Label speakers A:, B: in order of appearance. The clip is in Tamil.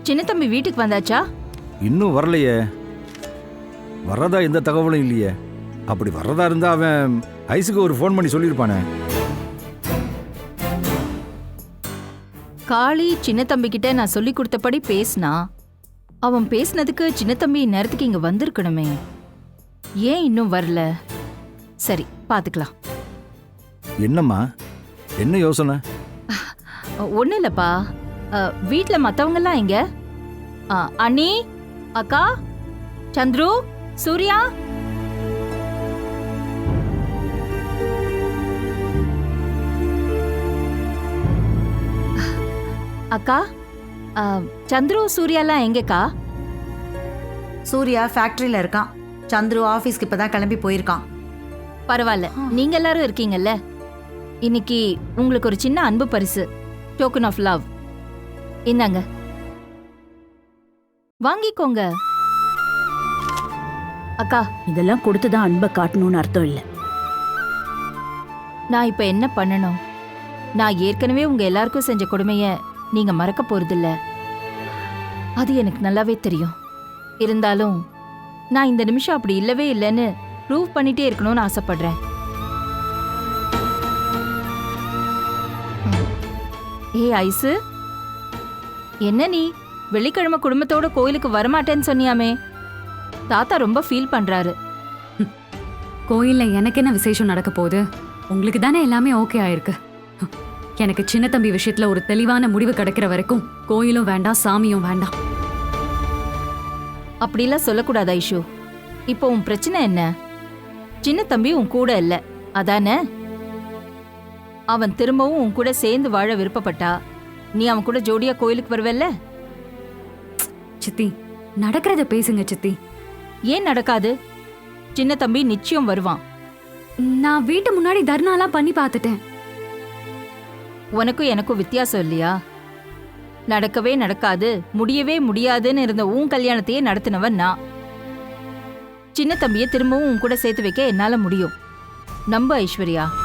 A: சின்ன தம்பி வீட்டுக்கு வந்தாச்சா?
B: இன்னும் வரலையே. வர்றதா எந்த தகவலும் இல்லையே. அப்படி வர்றதா இருந்தா அவன் ஐஸுக்கு ஒரு ஃபோன் பண்ணி சொல்லியிருப்பானே.
A: காளி சின்ன தம்பி கிட்ட நான் சொல்லி கொடுத்தபடி பேசினா, அவன் பேசினதுக்கு சின்ன தம்பி நேரத்துக்கு இங்க வந்திருக்கணுமே. ஏன் இன்னும் வரல? சரி, பாத்துக்கலாம்.
B: என்னம்மா, என்ன யோசனை?
A: ஒன்றும் இல்லைப்பா. வீட்டில் மற்றவங்கெல்லாம் எங்க? அண்ணி, அக்கா, சந்துரு, சூர்யா. அக்கா, சந்துரு, சூர்யாலாம் எங்கக்கா?
C: சூர்யா ஃபேக்டரியில இருக்கான். சந்துரு ஆஃபீஸ்க்கு இப்பதான் கிளம்பி போயிருக்கான்.
A: பரவாயில்ல, நீங்க எல்லாரும் இருக்கீங்கல்ல. இன்னைக்கு உங்களுக்கு ஒரு சின்ன அன்பு பரிசு, டோக்கன் ஆஃப் லவ். இந்தாங்க, வாங்கிக்கோங்க. அக்கா,
D: இதெல்லாம் கொடுத்துதான் அன்பை காட்டணும்னு அர்த்தம் இல்லை.
A: நான் இப்ப என்ன பண்ணணும்? நான் ஏற்கனவே உங்க எல்லாருக்கும் செஞ்ச கொடுமைய நீங்க மறக்க போறதில்ல. அது எனக்கு நல்லாவே தெரியும். இருந்தாலும் நான் இந்த நிமிஷம் அப்படி இல்லவே இல்லைன்னு ப்ரூவ் பண்ணிட்டே இருக்கணும்னு ஆசைப்படுறேன். ஏய் ஐசு, என்ன நீ வெள்ளிக்கிழமை குடும்பத்தோட கோயிலுக்கு வரமாட்டேன்னு சொன்னியாமே? தாத்தா ரொம்ப ஃபீல் பண்றாரு.
E: கோயில்ல எனக்கு என்ன விசேஷம் நடக்க போகுது? உங்களுக்கு தானே எல்லாமே ஓகே ஆயிருக்கு. எனக்கு சின்ன தம்பி விஷயத்துல ஒரு தெளிவான முடிவு கிடைக்கிற வரைக்கும் கோயிலும் வேண்டாம், சாமியும் வேண்டாம்.
A: அப்படிலாம் சொல்லக்கூடாது ஐஷு. இப்போ உன் பிரச்சனை என்ன? சின்ன தம்பி உன் கூட இல்ல, அதானே? அவன் திரும்பவும் உன் கூட சேர்ந்து வாழ விருப்பப்பட்டா நீ அவன் கூட ஜோடியா கோயிலுக்கு வருவல்ல?
E: சித்தி, நடக்கிறத பேசுங்க சித்தி.
A: ஏன் நடக்காது? சின்ன தம்பி நிச்சயம் வருவான்.
E: நான் வீட்டு முன்னாடி தர்ணாலாம் பண்ணி பார்த்துட்டேன்.
A: உனக்கும் எனக்கும் வித்தியாசம் இல்லையா? நடக்கவே நடக்காது, முடியவே முடியாதுன்னு இருந்த உன் கல்யாணத்தையே நடத்தினவன் நான். சின்ன தம்பியை திரும்பவும் உன் கூட சேர்த்து வைக்க என்னால முடியும். நம்ப ஐஸ்வர்யா.